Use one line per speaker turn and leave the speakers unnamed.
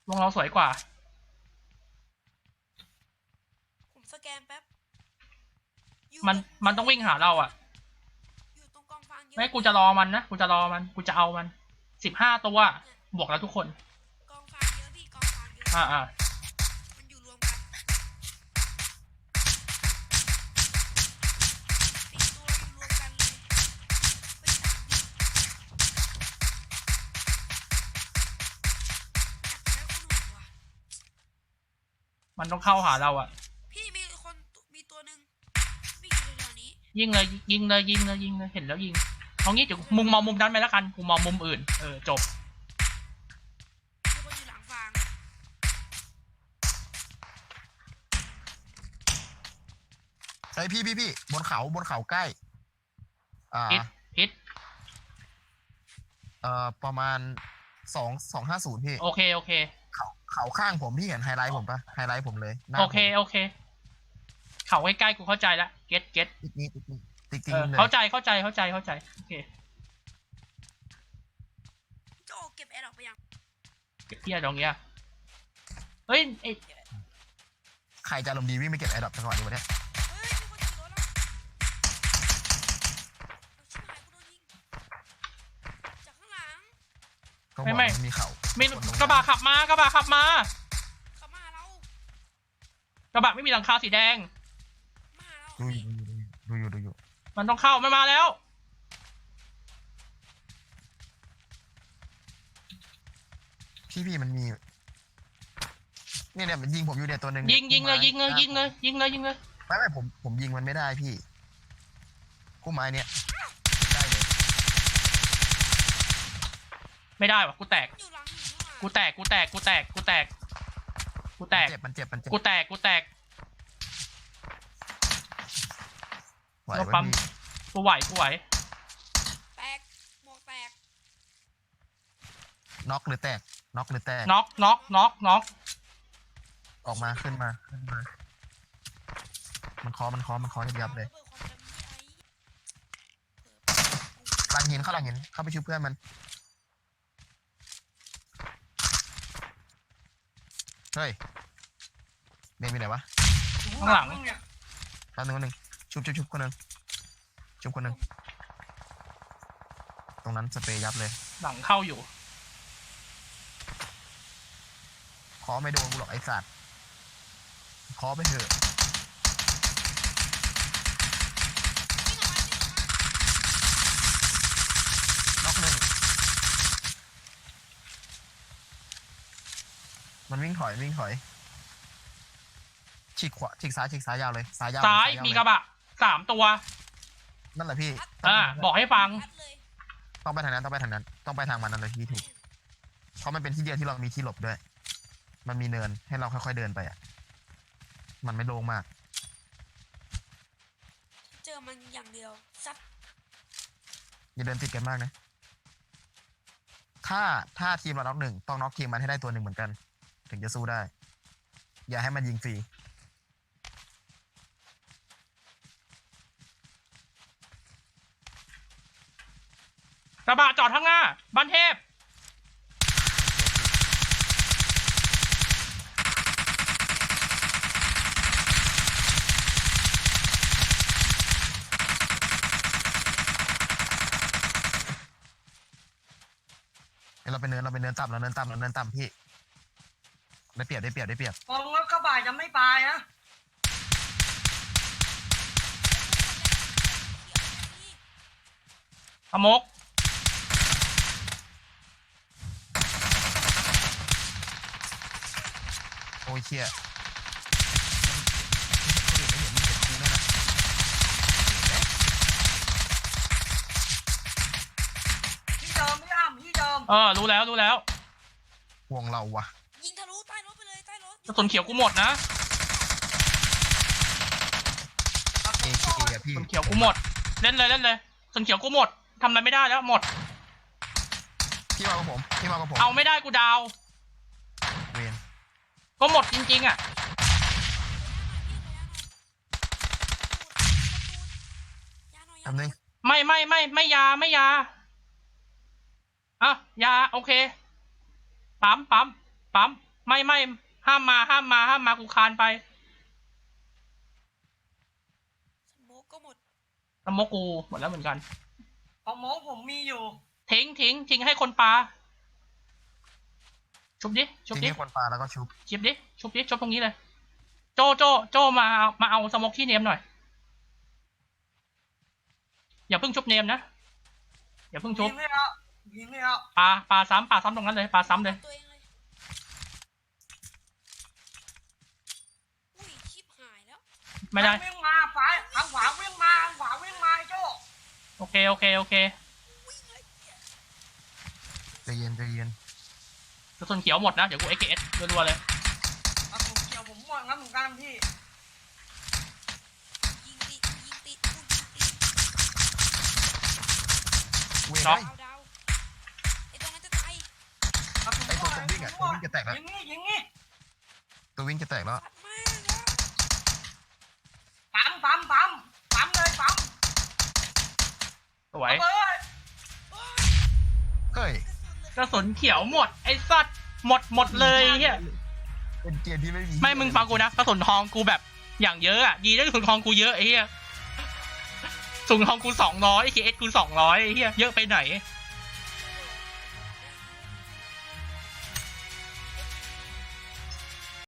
วงเราสวยกว่า
ผมสแกนแป๊บ
มันต้องวิ่งหาเราอ่ะ
อยู่ตรงกองฟางเยอะ
ไม่กูจะรอมันนะกูจะรอมันกูจะเอามัน15 ตัวบวกแล้วทุกคน
กองฟางเยอะพี่กองฟางเยอะมันอยู่รวมกัน4 ตัวอยู่รวมกันเลยไป3ดิอยากใช้คนหัว
มันต้องเข้าหาเราอ่ะ
พี่มีตัวหนึ่งวิ่งอยู่แถวๆนี้
ยิงเลยยิงเลยยิงเลยยิงเลยเห็นแล้วยิงเอางี้เดี๋ยวมึงมองมุมนั้นไปแล้วกันกูมองมุมอื่นจบ
มีคนอยู่หลังฟาง
ไอ้พี่บนเขาใกล้
ฮิต
ประมาณ250พี่
โอเค
เขาข้างผมพี่เห็นไฮไลท์ผมปะไฮไลท์ผมเลย
โอเคเขาใกล้ๆกูเข้าใจแล้วเก็ต
ติ๊กเลย
เข้าใจโอเค
โจเก็บแอร์ออกไปยัง
เก็บเที่ยตรงเนี้ยเฮ้ย
ใครจะอารมณ์ดีวิ่งไปเก็บแอร์ดรอปจังหวะนี้วะเนี่ย
เฮ้ยมีคนขี่รถแล้วชิบหายกูโดนยิงจากข้างหลัง
ก็บอกมันมีเขา
มีกระบะขับมากระบะขับมา
เขามาเรา
กระบะไม่มีหลังคาสีแดง
มาเรา
ดูอยู่
มันต้องเข้ามันมาแล้ว
พี่มันมีเนี่ยมันยิงผมอยู่เนี่ยตัวหนึ่ง
ยิงเลย
ไม่ผมยิงมันไม่ได้พี่กู้ไม้เนี่ยได้เลย
ไม่ได้วะกูแตก
อยู่หลังหินนี่หว่า
มันเจ็บกูแตก
กูไหว
เรา
ปะ
ปั๊ม
พี่
กูไหว
แตกหมวกแตก
น็อกหรือแตก
น็อก
ออกมาขึ้นมามันเคอยับเลยหลังหินเข้าไปช่วยเพื่อนมันเฮ้ยเมนมีไหนวะ
ข้างหลัง
แป๊บนึงชุบคนหนึ่งตรงนั้นสเปรย์ยับเลย
หลังเข้าอยู่
เคอไม่โดนกูหรอกไอ้สัตว์เคอไปเถอะน็อกหนึ่งมันวิ่งถอยฉีกซ้ายยาวเลยซ้าย
มีกระบะ3 ตัว
นั่นแหละพี่
บอกให้ฟัง
ต้องไปทางนั้นต้องไปทางมันนั่นเลยพี่ถูกเพราะมันเป็นที่เดียวที่เรามีที่หลบด้วยมันมีเนินให้เราค่อยๆเดินไปอ่ะมันไม่โล่งมาก
เจอมันอย่างเดียวซัด
อย่าเดินติดกันมากนะถ้าทีมเราน็อกหนึ่งต้องน็อกทีมมันให้ได้ตัวหนึ่งเหมือนกันถึงจะสู้ได้อย่าให้มันยิงฟรี
กระบะจอดข้างหน้าบ้านเทพ
เราไปเนินต่ำพี่ได้เปรียบ
กองรถกระบะจะไม่ตายนะ
อมก
โอ้ยเชี่ย
ที่เดิมที่เดิม
รู้แล้ว
ห่วงเราวะ
ยิงทะลุใต้รถไปเลยใต้รถ
กระสุนเขียวกูหมดนะ
อะพี่
กระสุนเขียวกูหมดเล่นเลยกระสุนเขียวกูหมดทำอะไรไม่ได้แล้วหมด
พี่มากับผม
เอาไม่ได้กูดาว
เวน
ก็หมดจริงๆอ่ะ
ทำนึง
ไม่ยาอ่ะยาโอเคปั๊มไม่ห้ามมากูคานไป
สโมกก็หมด
สโมกกูหมดแล้วเหมือนกัน
ของหมอผมมีอยู่
ทิ้งให้คนปลาชุบดิ
ทีนี้คนปลาแล้วก็ชุบ
ชุบตรงนี้เลย โจมาเอาสโมกที่เนมหน่อยอย่าเพิ่งชุบเนมนะอย่าเพิ่งชุบ
ยิงไม่เอายิงไม่เอา
ปลาซ้ำตรงนั้นเลยปลาซ้ำเลย
ตัวเองเลยอุ้ยชิบหายแล้ว
ไม่ได้
วิ่งมาฝ่ายทางขวาวิ่งมาทางขวาวิ่งมาไอ้โจ้
โอเค
วิ่งเลย
ใจเย็น
กระสุนเขียวหมดนะเดี๋ยวกู XS รัวๆเลย
เอาผมเกี่ยวผมหมดงั้นเหมือนกันพี่
ยิงติดกูยิงติด
เว้ย
ช็อก
ดาวไอ้ตรงนั้นจะตาย
เอาผม
ไอ้ตัววิ่งอะตัววิ่งจะแตกแล้ว
ยิงนี่
ตัววิ่งจะแตกแล้ว
ปัดมากแล้ว
ปั๊มเลยปั๊ม
สวย
เอ้ย
เฮ้ย
กระสุนเขียวหมดไอ้สัตว์หมดเลยเฮีย
เป็นเกียร์ที่ไม่มี
ไม่มึงฟังกูนะกระสุนทองกูแบบอย่างเยอะอ่ะดีนะกระสุนทองกูเยอะไอ้เฮียกระสุนทองกู200 XS กู200ไอ้เฮียเยอะไปไหน